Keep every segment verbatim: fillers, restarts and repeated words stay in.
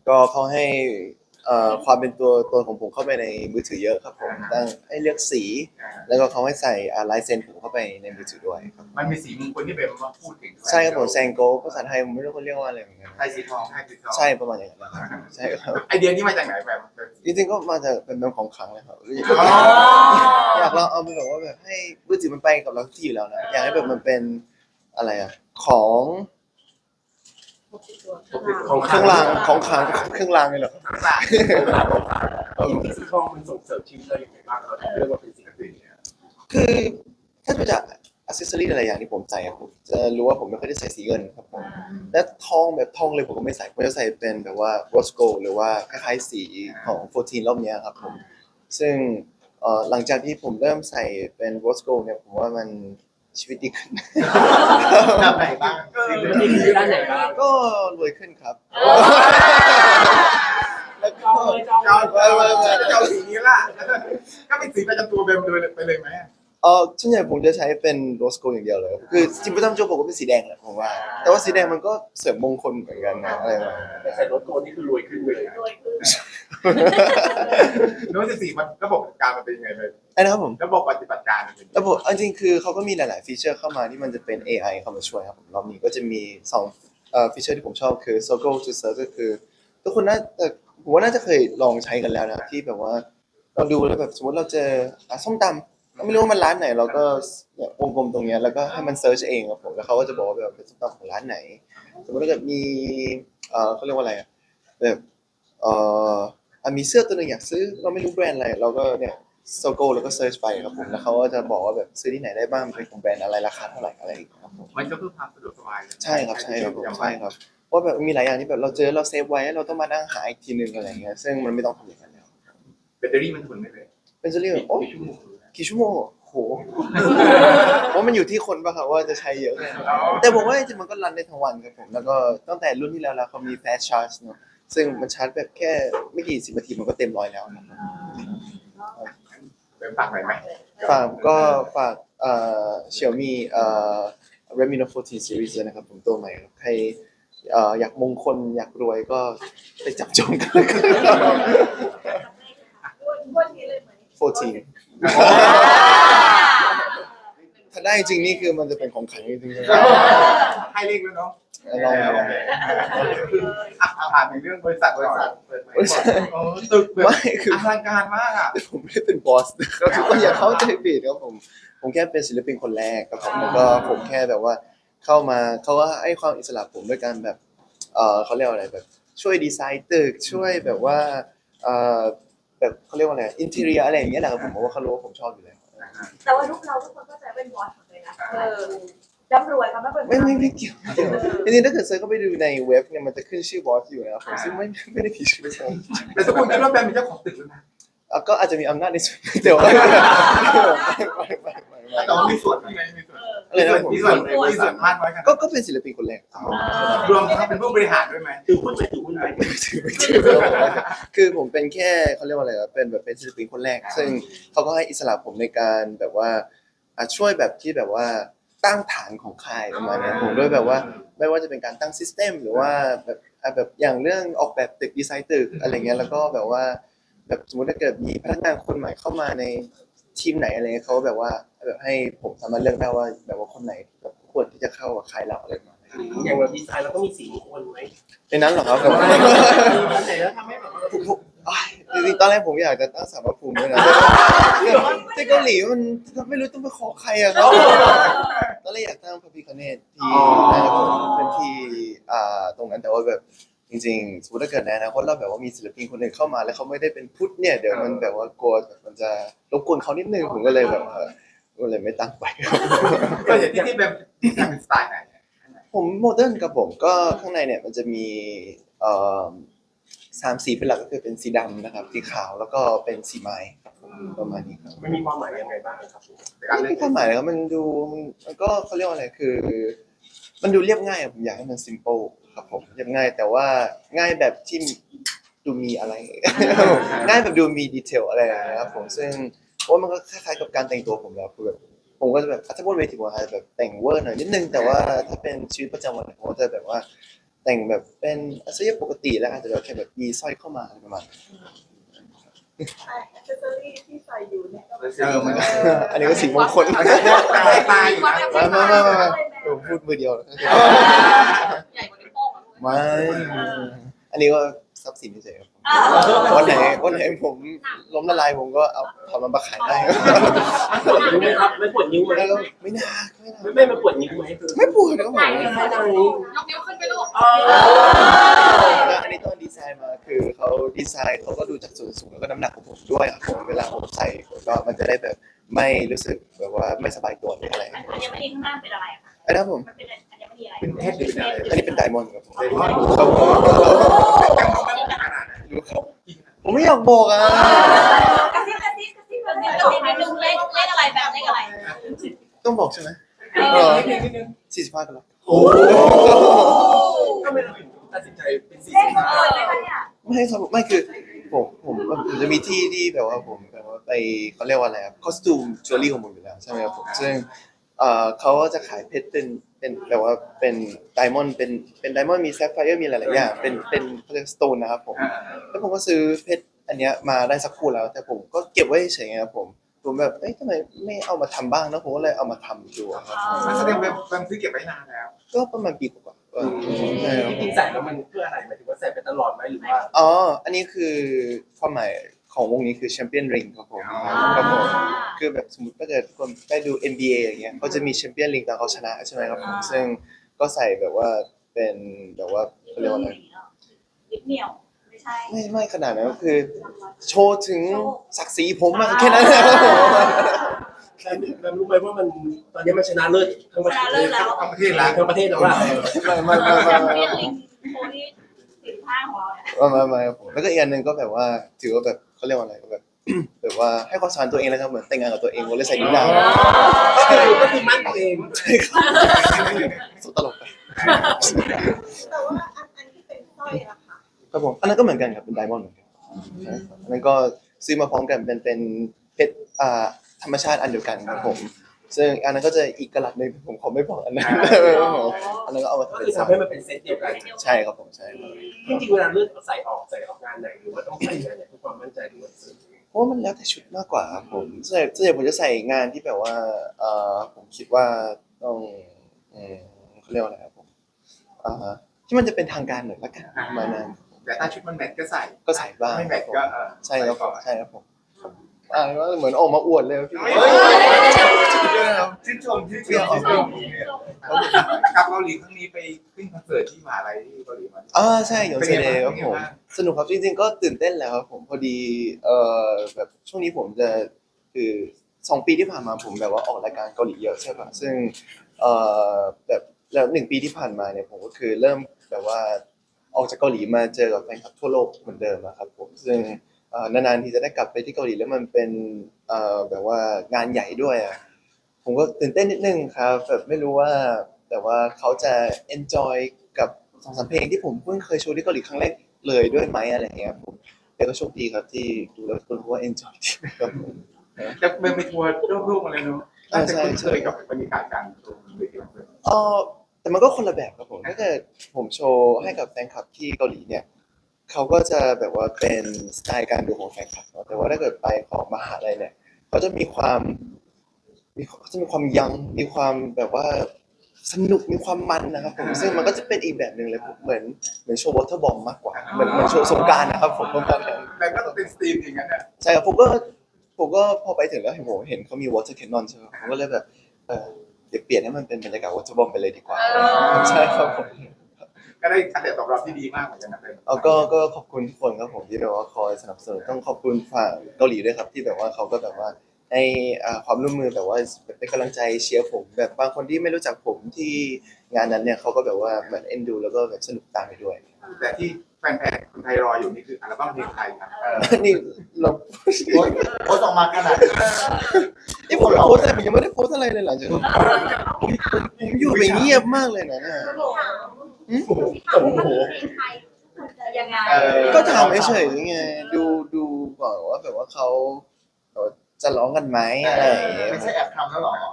ก็เขาให้เอ่อความเป็นตัวตนของผมเข้าไปในมือถือเยอะครับผมตั้งให้เลือกสีแล้วก็เขาให้ใส่อ่าลายเซ็นผมเข้าไปในมือถือด้วยครับมันมีสีมงคลที่เป็นมาพูดถึงใช่ครับผมแซงโกภาษาไทยผมไม่รู้เขาเรียกว่าอะไรเหมือนกันไทยสีทองไทยสีทองใช่ประมาณอย่างนั้นนะครับใช่ครับไอเดียนี้มาจากไหนแบบจริงๆก็มาจากเป็นเรื่องของขลังเลยครับอยากลองเอาไปแบบว่าแบบให้มือถือมันไปกับเราทุกที่อยู่แล้วนะอยากให้แบบมันเป็นอะไรอะของของเครื่องรางของขลังเครื่องรางเลยเหรอต่างสีทองมันส่งเสริมชีวิตเราอย่างไรบ้างเราเรียกว่าเป็นสิ่งที่เนี่ยคือถ้าดูจากอัซเซสซอรี่อะไรอย่างที่ผมใส่อะผมจะรู้ว่าผมไม่ค่อยได้ใส่สีเงินครับผมและทองแบบทองเลยผมก็ไม่ใส่ผมจะใส่เป็นแบบว่าโรสโกหรือว่าคล้ายๆสีของโฟร์ทีนรอบนี้ครับผมซึ่งเอ่อหลังจากที่ผมเริ่มใส่เป็นโรสโกเนี่ยผมว่ามันชีวิตดีขึ้นแบบไหนบ้างมีคือด้านไหนบ้างก็รวยขึ้นครับแล้วก็จองเลยจองเจ้าเออเจ้าสีนี้ล่ะก็เป็นสีประจำตัวเบมเลยไปเลยไหมเออส่วนใหญ่ผมจะใช้เป็นโรสโกอย่างเดียวเลยคือจริงๆประจำโจผมก็เป็นสีแดงแหละผมว่าแต่ว่าสีแดงมันก็เสริมมงคลเหมือนกันนะอะไรแบบนี้แต่ใส่รถโกนนี่คือรวยขึ้นเลยรวยขึ้นโน้ตสีมันระบบการมันเป็นยังไงเลยไอ้นะครับผมระบบปฏิบัติการมันเป็นระบบเอาจริงๆคือเขาก็มีหลายๆฟีเจอร์เข้ามาที่มันจะเป็น เอ ไอ เข้ามาช่วยครับผมรอบนี้ก็จะมีสองเอ่อฟีเจอร์ที่ผมชอบคือ Circle to Search ก็คือทุกคนน่าจะผมว่าน่าจะเคยลองใช้กันแล้วนะที่แบบว่าเราดูแล้วแบบสมมติเราเจออ่ะส้มตำเราไม่รู้ว่ามันร้านไหนเราก็เนี่ยวงกลมตรงเนี้ยแล้วก็ให้มันเซิร์ชเองครับผมแล้วเขาก็จะบอกว่าแบบเป็นส้มตำของร้านไหนสมมติถ้าเกิดมีเอ่อเขาเรียกว่าอะไรอะแบบเอ่ออ่ะมีเสื้อตัวหนึงอยากซื้อเราไม่รู้แบรนด์อะไรเราก็เนี่ย โซโก้แล้วก็เซิร์ชไปครับผมแล้วเขาก็จะบอกว่าแบบซื้อที่ไหนได้บ้างเป็นของแบรนด์อะไรราคาเท่าไหร่อะไรอย่างเงี้ยครับผมมันก็เพื่อความสะดวกสบายใช่ครับใช่ครับผมใช่ครับเพราะแบบมีหลายอย่างที่แบบเราเจอเราเซฟไว้เราต้องมานั่งหาอีกทีนึงอะไรอย่างเงี้ยซึ่งมันไม่ต้องทำอย่างนั้นแล้วแบตเตอรี่มันทนไม่เลยเป็นจะเรียกโอ้กี่ชั่วโมงกี่ชั่วโมงโหเพราะมันอยู่ที่คนป่ะครับว่าจะใช้เยอะแค่ไหนแต่ผมว่าจริงๆมันก็รันได้ทั้งวันครับผมแล้วก็ตั้งแต่รุ่นที่แล้วแล้วเขามี fast charge เนอะซึ่งมันชาร์จแบบแค่ไม่กี่สิบนาทีมันก็เต็มร้อยแล้วครับเป็นปากไหนไหมฝากก็ฝากเอ่อ Xiaomi เอ่อ Redmi Noteโฟร์ทีน Series ด้วยนะครับผมตัวใหม่ครับใครเอ่ออยากมงคลอยากรวยก็ไปจับจองกันเลยครับวันนี้เลยไหมโฟร์ทีนถ้าได้จริงนี่คือมันจะเป็นของขลังจริงๆเลยให้เลขด้วยเนาะลองลองอ่ะผ่านถึงเรื่องบริษัทบริษัทบริษัทโอ้ตึกแบบไม่คืออลังการมากอ่ะผมไม่ได้เป็นบอสนะครับทุกคนอย่าเข้าใจผิดครับผมผมแค่เป็นศิลปินคนแรกครับผมแล้วก็ผมแค่แบบว่าเข้ามาเขาก็ให้ความอิสระผมด้วยการแบบเออเขาเรียกว่าอะไรแบบช่วยดีไซน์ตึกช่วยแบบว่าเออแบบเขาเรียกว่าอะไรอินทีเรียอะไรอย่างเงี้ยแหละครับผมเพราะว่าเขารู้ว่าผมชอบอยู่แล้วแต่ว่าลูกเราทุกคนก็จะเป็นบอสหมดเลยนะเออร่ำรวยค่ะไม่เป็นไม่ไม่ไม่เกี่ยวไม่เกี่ยวจริงๆถ้าเกิดเซิร์ชเข้าไปดูในเว็บเนี่ยมันจะขึ้นชื่อบอสอยู่นะครับผมซึ่งไม่ไม่ได้ผิดชื่อผมแต่ทุกคนคิดว่าแบมเป็นเจ้าของตึกแล้วนะอ่ะก็อาจจะมีอำนาจในส่วนแต่ว่าไม่ไม่ไม่ไม่ไม่แต่ว่ามีส่วนที่ไหนมีส่วนอะไรนะผมมีส่วนมีส่วนมากน้อยขนาดก็ก็เป็นศิลปินคนแรกรวมทั้งเป็นผู้บริหารด้วยไหมถือหุ้นไปถือหุ้นไปไม่ถือไม่ถือคือผมเป็นแค่เขาเรียกว่าอะไรครับเป็นแบบเป็นศิลปินคนแรก ซึ่งเขาก็ให้อิสระผมในการแบบว่าอ่ะช่วยแบบที่แบบว่าตั้งฐานของค่ายประมาณเนี้ยผมด้วยแบบว่าไม่ว่าจะเป็นการตั้งซิสเต็มหรือว่าแบบอ่ะแบบอย่างเรื่องออกแบบตึกดีไซน์ตึกอะไรเงี้ยแล้วก็แบบว่าแบบสมมติถ้าเกิดมีพนักงานคนใหม่เข้ามาในทีมไหนอะไรเงี้ยเขาแบบว่าแบบให้ผมสามารถเลือกได้ว่าแบบว่าคนไหนแบบควรที่จะเข้ากับค่ายเราอะไรประมาณนี้อย่างเราดีไซน์เราก็มีสีมงคลไหมในนั้นเหรอครับผมไหนแล้วทำให้แบบผมผมอ้ายจริงๆตอนแรกผมอยากจะตั้งสารพระภูมิด้วยนะแต่เกาหลีมันไม่รู้ต้องไปขอใครอะครับตอนแรกอยากตั้งพระพิฆเนศที่นะครับผมเป็นที่อ่าตรงนั้นแต่ว่าแบบจริงๆสมมติถ้าเกิดในอนาคตเราแบบว่ามีศิลปินคนหนึ่งเข้ามาแล้วเขาไม่ได้เป็นพุทธเนี่ยเดี๋ยวมันแบบว่ากลัวแบบมันจะรบกวนเขานิดนึงผมก็เลยแบบเออก็เลยไม่ตั้งไปครับก็อย่างที่ที่แบมที่ทำเป็นสไตล์ไหนผมโมเดิร์นกับผมก็ข้างในเนี่ยมันจะมีเอ่อสามสีเป็นหลักก็คือเป็นสีดำนะครับสีขาวแล้วก็เป็นสีไม้ครับผมประมาณนี้ครับมันมีความหมายยังไงบ้างครับไม่มีความหมายเลยครับมันดูมันก็เขาเรียกว่าอะไรคือ มันดูเรียบง่ายอะผมอยากให้มัน simple ครับผมเรียบง่ายแต่ว่าง่ายแบบที่ดูมีอะไร ง่ายแบบดูมีดีเทลอะไรอย่างเงี้ยครับผมซึ่งโอ้มันก็คล้ายๆกับการแต่งตัวผมแล้วคือแบบผมก็จะแบบถ้าบนเวทีผมอาจจะแบบแต่งเวอร์หน่อยนิดนึงแต่ว่าถ้าเป็นชีวิตประจำวันผมก็จะแบบว่าแต่งแบบเป็นอาชีพปกติแล้วอาจจะแบบแค่แบบมีสร้อยเข้ามาอะไรประมาณนั้นแอคเซสซอรี่ที่ใส่อยู่เนี่ยก็เออมันอันนี้ก็สีมงคลมันจะแยกตายตายอยู่นะมามามามามาผมพูดมือเดียวใหญ่กว่านิ้วโป้งอ่ะไม่ อันนี้ก็ทรัพย์สินเฉยๆครับวันไหนวันไหนผมล้มละลายผมก็เอาทำมันมาขายได้รู้ไหมครับไม่ปวดนิ้วไหมแล้วก็ไม่น่าไม่น่าไม่ไม่มาปวดนิ้วไหมคือไม่ปวดครับผมไม่ได้ไหนยกนิ้วขึ้นไปลูกแล้วอันนี้ตอนดีไซน์มาคือเขาดีไซน์เขาก็ดูจากส่วนสูงแล้วก็น้ำหนักของผมด้วยครับผมเวลาผมใส่ก็มันจะได้แบบไม่รู้สึกแบบว่าไม่สบายตัวหรืออะไรอัญมณีข้างล่างเป็นอะไรอะคะอันนั้นผมมันเป็นอัญมณีอะไรเป็นเพชรหรือเป็นอะไรอันนี้เป็นไดมอนด์ครับผมเป็นเพชรครับผมยังดูไม่ขนาดนั้นรู้ครับผมไม่อยากบอกอ่ะกระซิบกระซิบกระซิบกระซิบกระซิบนิดนึงเลขเลขอะไรแบบเลขอะไรต้องบอกใช่ไหมเออสี่สิบห้ากันแล้วโอ้ก็ไม่ตัดสินใจเป็นสี่เลขสิบเอห้าอเลขอะไรเนี่ยไม่ครับไม่คือผมผมผมจะมีที่ที่แบบว่าผมแบบว่าไปเขาเรียกว่าอะไรครับคอสตูมจิวเวลรี่ของผมอยู่แล้วใช่ไหมครับผมซึ่งเอ่อเขาก็จะขายเพชรเป็นเป็นแบบว่าเป็นไดมอนด์เป็นเป็นไดมอนด์มีแซฟไฟร์มีหลายๆอย่างเป็นเป็นเขาเรียกสโตนนะครับผม แล้วผมก็ซื้อเพชรอันเนี้ยมาได้สักคู่แล้ว แต่ผมก็เก็บไว้เฉยๆครับผมผมแบบเอ้ยทำไมไม่เอามาทำบ้างนะผมก็เลยเอามาทำดูอะครับมันแสดงว่ามันซื้อเก็บไว้นานแล้วก็ประมาณปีกว่าๆเออใช่ครับจริงๆใส่แล้วมันเพื่ออะไรหมายถึงว่าใส่ไปตลอดไหมหรือว่าอ๋ออันนี้คือความหมายของวงนี้คือแชมเปี้ยนริงครับผมครับผมคือแบบสมมติถ้าเกิดคนไปดู เอ็น บี เอ อย่างเงี้ยเขาจะมีแชมเปี้ยนริงตอนเขาชนะใช่ไหมครับผมซึ่งก็ใส่แบบว่าเป็นแบบว่าเขาเรียกว่าอะไรนิดเหนียวไม่ใช่ไม่ไม่ขนาดนั้นก็คือ โชว์ถึงศักดิ์ศรีผมมากแค่นั้นแหละครับผมแล้วรู้ไหมว่ามันตอนนี้มันชนะเลิศทั้งประเทศชนะเลิศแล้วทั้งประเทศแล้วทั้งประเทศแล้วล่ะไม่ไม่ไม่แชไม่มไม่เปี้ยนลิงโคที่สิบห้าของเราเนี่ยไม่ไม่ไม่ครับผมแล้วก็อีกอันหนึ่งก็แบบว่าถือว่าแบบเขาเรียกว่าอะไรก็แบบ แบบว่าให้ความสำคัญตัวเองแล้วครับเหมือนแต่งงานกับตัวเองผมเลยใส่นิ้วนางก็คือมั่นตัวเองใช่ครับสุดตลกไปแต่ว่าอันอันที่เป็นสร้อยอะค่ะครับผมอันนั้นก็เหมือนกันครับเป็นไดมอนด์เหมือนกันใช่ครับอันนั้นก็ซื้อมาพร้อมกันเป็นเป็นเพชรอ่าธรรมชาติอันเดียวกันครับผมซึ่งอันนั้นก็จะอีกกระลัดหนึงผมขอไม่บอกอันนั้นครับผมอันนั้นก็เอามาก็ทำเป็คือนสร้อทำให้ยมันเป็นเซตเดียวกันใช่ครับผมใช่ครับจริงๆเวลาเลือกใส่ออกใส่ออกงานไหนหรือว่าต้องใส่งานไหนเพื่อความมั่นใจด้วยเพราะว่ามันแล้วแต่ชุดมากกว่าครับผมส่วนใหญ่ส่วนใหญ่ผมจะใส่งานที่แบบว่าเอ่อผมคิดว่าต้องอืมเขาเรียกว่าอะไรครับผมอ่าที่มันจะเป็นทางการหน่อยละกันประมาณนั้นแต่ถ้าชุดมันแมทก็ใส่ก็ใส่บ้างไม่แมทก็เออใช่ครับผมใช่ครับผมอ่าเหมือนออกมาอวดเลยพี่ชื่นชมชื่นชมชื่นชมกับเกาหลีครั้งนี้ไปขึ้นคอนเสิร์ตที่มหาลัยที่เกาหลีมาอ่าใช่อย่างเซเดย์ครับผมสนุกครับจริงๆก็ตื่นเต้นแล้วครับผมพอดีเอ่อแบบช่วงนี้ผมจะคือสองปีที่ผ่านมาผมแบบว่าออกรายการเกาหลีเยอะใช่ป่ะซึ่งเอ่อแบบแล้วหนึ่งปีที่ผ่านมาเนี่ยผมก็คือเริ่มแบบว่าออกจากเกาหลีมาเจอกับแฟนคลับทั่วโลกเหมือนเดิมอะครับผมซึ่งเอ่อนานๆทีจะได้กลับไปที่เกาหลีแล้วมันเป็นเอ่อแบบว่างานใหญ่ด้วยอะผมก็ตื่นเต้นนิดนึงครับแบบไม่รู้ว่าแต่ว่าเขาจะ enjoy กับสองสามเพลงที่ผมเพิ่งเคยโชว์ที่เกาหลีครั้งแรกเลยด้วยไหมอะไรอย่างเงี้ยผมแต่ก็โชคดีครับที่ดูแล้วคนเขาว่า enjoy ดีครับผมจะเป็นไปทัวร์โลกๆมาเลยเนาะน่าจะคุ้นเคยกับบรรยากาศการโชว์เลยทีเดียวเออแต่มันก็คนละแบบครับผมถ้าเกิดผมโชว์ให้กับแฟนคลับที่เกาหลีเนี่ยเขาก็จะแบบว่าเป็นสไตล์การดูของแฟนคลับเนอะแต่ว่าถ้าเกิดไปของมหาลัยเนี่ยเขาจะมีความมีเขาจะมีความยังมีความแบบว่าสนุกมีความมันนะครับผมซึ่งมันก็จะเป็นอีกแบบหนึ่งเลยผมเหมือนเหมือนโชว์วอเตอร์บอมมากกว่าเหมือนเหมือนโชว์สงกรานต์นะครับผมประมาณนั้นแต่ก็ต้องเป็นสตรีมอย่างนั้นน่ะใช่ครับผมก็ผมก็พอไปถึงแล้วเห็นผมเห็นเขามีวอเตอร์แคนนอนใช่ไหมผมก็เลยแบบเออเดี๋ยวเปลี่ยนให้มันเป็นบรรยากาศวอเตอร์บอมไปเลยดีกว่าใช่ครับผมก็ได้กระแสตอบรับที่ดีมากเหมือนกันนะเป็นเอาก็ก็ขอบคุณทุกคนครับผมที่แบบว่าคอยสนับสนุนต้องขอบคุณฝั่งเกาหลีด้วยครับที่แบบว่าเขาก็แบบว่าให้อ่าความร่วมมือแบบว่าเป็นกำลังใจเชียร์ผมแบบบางคนที่ไม่รู้จักผมที่งานนั้นเนี่ยเขาก็แบบว่าเหมือนเอ็นดูแล้วก็แบบสนุกตามไปด้วยแต่ที่แฟนๆคนไทยรออยู่นี่คืออัลบั้มเพลงไทยครับนี่เราโพสต์ออกมาขนาดนี้นี่ผมโพสต์อะไรผมยังไม่ได้โพสต์อะไรเลยหลังจากนั้นผมผมอยู่ไปเงียบมากเลยนะเนี่ยโอ้โหไทยจะยังไงก็ถามเฉยๆไงดูดูก่อนว่าแบบว่าเขาเขาจะร้องกันไหมอะไรอย่างเงี้ยไม่ใช่แอบทำแล้วหรอไม่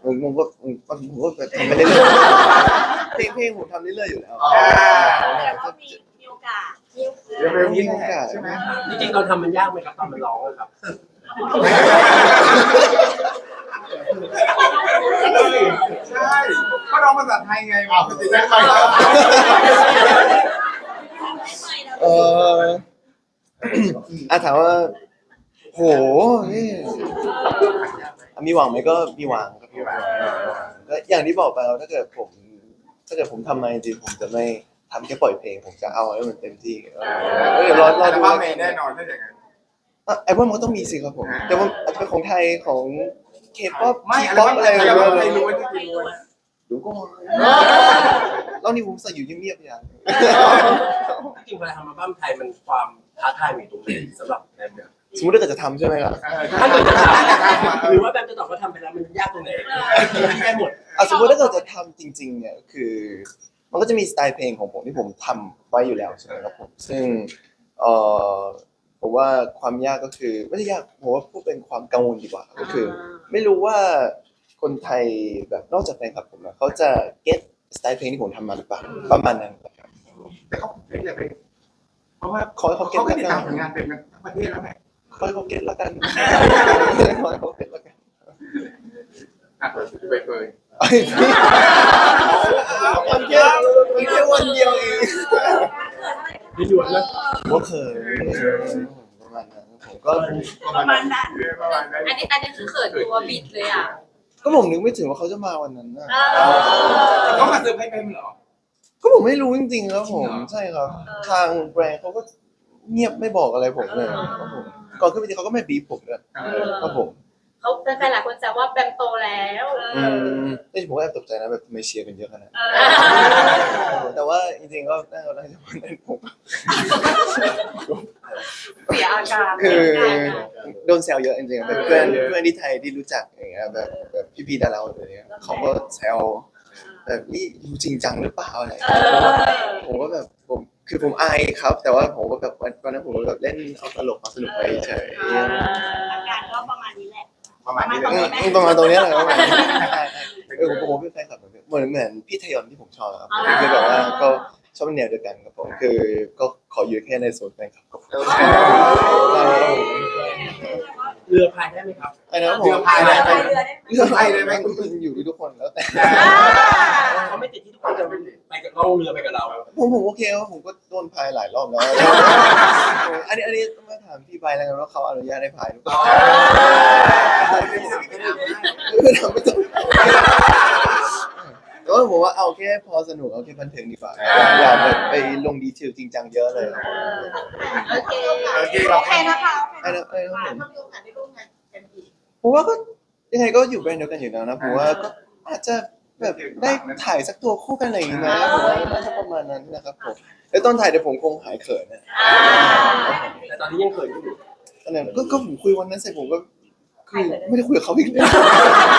ผมผมก็ผมผมก็ทำไปเรื่อยๆเพลงเพลงผมทำเรื่อยๆอยู่แล้วแต่ก็มีมีโอกาสมีโอกาสเร็วๆนี้แหละใช่ไหมจริงๆตอนทำมันยากไหมครับตอนมันร้องอะครับใช่ก็ร้องภาษาไทยไงมาปกติได้ไปเอออ่ะถามว่าโหนี่อ่ะมีหวังไหมก็มีหวังครับพี่หวังก็อย่างที่บอกไปแล้วถ้าเกิดผม ถ้าเกิดผมทำมาจริงๆผมจะไม่ทำแค่ปล่อยเพลงผมจะเอาให้มันเต็มที่เออเดี๋ยวรอรอแต่ดูว่าเมย์แน่นอนถ้าอย่างนั้นอ่ะไอ้ว่ามันก็ต้องมีสิครับผม แต่ว่าอาจจะเป็นของไทยของเคป๊อปไม่อะไรป๊อปบ้างอะไรอะไรอะไรบ้างไม่รู้ว่าจะกินรู้ดูก่อนแล้วนี่ผมใส่อยู่เงียบๆอย่างจริงๆเวลาทำอัลบั้มไทยมันความท้าทายมีตรงไหนสำหรับแบมเนี่ยสมมติถ้าเกิดจะทำใช่ไหมล่ะถ้าเกิดจะถามหรือว่าแบมจะตอบว่าทำไปแล้วมันยากตรงไหนได้หมดอ่ะสมมติถ้าเกิดจะทำจริงๆเนี่ยคือ มันก็จะมีสไตล์เพลงของผมที่ผมทำไว้อยู่แล้วใช่ไหมครับผมซึ่งเอ่อผมว่าความยากก็คือไม่ได้ยากผมว่าพูดเป็นความกังวลดีกว่าก็คือ ไม่รู้ว่าคนไทยแบบนอกจากแฟนคลับผมนะเขาจะเก็ตสไตล์เพลงที่ผมทำมาหรือเปล่าประมาณนั้นครับแต่เขาเป็นอะไรเพราะว่าขอให้เขาเก็ตเขาไม่แล้วติดกัตาน มผลงานเป็นกันทั้งประเทศแล้วไงขอให้เขาเก็ตแล้วกันขอให้เขาเก็ตแล้วกันอ่ะไปเฟยไอ้พี่มันแค่มันแค่วันเดียวเองมีหยวนนะผมก็เคยประมาณนั้นผมก็ประมาณนั้นประมาณนั้นอันนี้อันนี้คือเขินตัวบิดเลยอ่ะก็ผมนึกไม่ถึงว่าเขาจะมาวันนั้นนะเขามาเซอร์ไพรส์เป็นเหรอก็ผมไม่รู้จริงๆครับผมจริงเหรอใช่ครับ ทางแบรนด์เขาก็เงียบไม่บอกอะไรผมเลยครับผมก่อนขึ้นไปทีเขาก็ไม่บีบผมเลยครับผมเขาแฟนๆหลายคนแซวว่าแบมโตแล้วอืมแต่ผมก็แอบตกใจนะแบบทำไมเชียร์กันเยอะขนาดนั้นแต่ว่าจริงๆก็น่าจะได้วันนั้นผมเสียอาการคือโดนแซวเยอะจริงๆแบบเพื่อนเพื่อนที่ไทยที่รู้จักอย่างเงี้ยแบบแบบพี่ๆดาราอะไรเงี้ยเขาก็แซวแบบนี่อยู่จริงจังหรือเปล่าอะไรผมก็แบบผมคือผมอายครับ แต่ว่าผมก็แบบวันนั้นผมก็แบบเล่นเอาตลกเอาสนุกไปเฉยอาการก็ประมาณนี้แหละประมาณนี้เลยอืมประมาณตรงเนี้ยแหละประมาณนี้เออผมผมเป็นแฟนคลับเหมือนเหมือนเหมือนพี่ทยอนที่ผมชอบครับคือแบบว่าก็ชอบแนวเดียวกันครับผมคือก็ขออยู่แค่ในโซนแฟนคลับครับเรือพายได้ไหมครับไอ้นะผมเรือพายได้ไหมเรือได้ไหมเรื่องอะไรเลยไหมอยู่ที่ทุกคนแล้วแต่เขาไม่ติดที่ทุกคนจะไปกับล่องเรือไปกับเราผมผมโอเคครับผมก็โดนพายหลายรอบแล้วอันนี้อันนี้ต้องมาถามพี่ใบแล้วกันว่าเขาอนุญาตให้พายหรือเปล่าไม่ทำไม่ต้องแต่ว่าผมว่าเอาแค่พอสนุกเอาแค่บันเทิงดีกว่าอย่าแบบไปลงดีเทลจริงจังเยอะเลยโอเคโอเคโอเคนะคะไอ้นะไอ้นะผมถ้ามีโอกาสได้ร่วมงานกันอีกผมว่าก็ยังไงก็อยู่แบรนด์เดียวกันอยู่แล้วนะผมว่าก็อาจจะแบบได้ถ่ายสักตัวคู่กันอะไรอย่างงี้ไหมผมว่าน่าจะประมาณนั้นนะครับผมแล้วตอนถ่ายเดี๋ยวผมคงหายเขินนะแต่ตอนนี้ยังเขินอยู่ตอนนั้นก็ก็ผมคุยวันนั้นเสร็จผมก็คือไม่ได้คุยกับเขาอีกเลย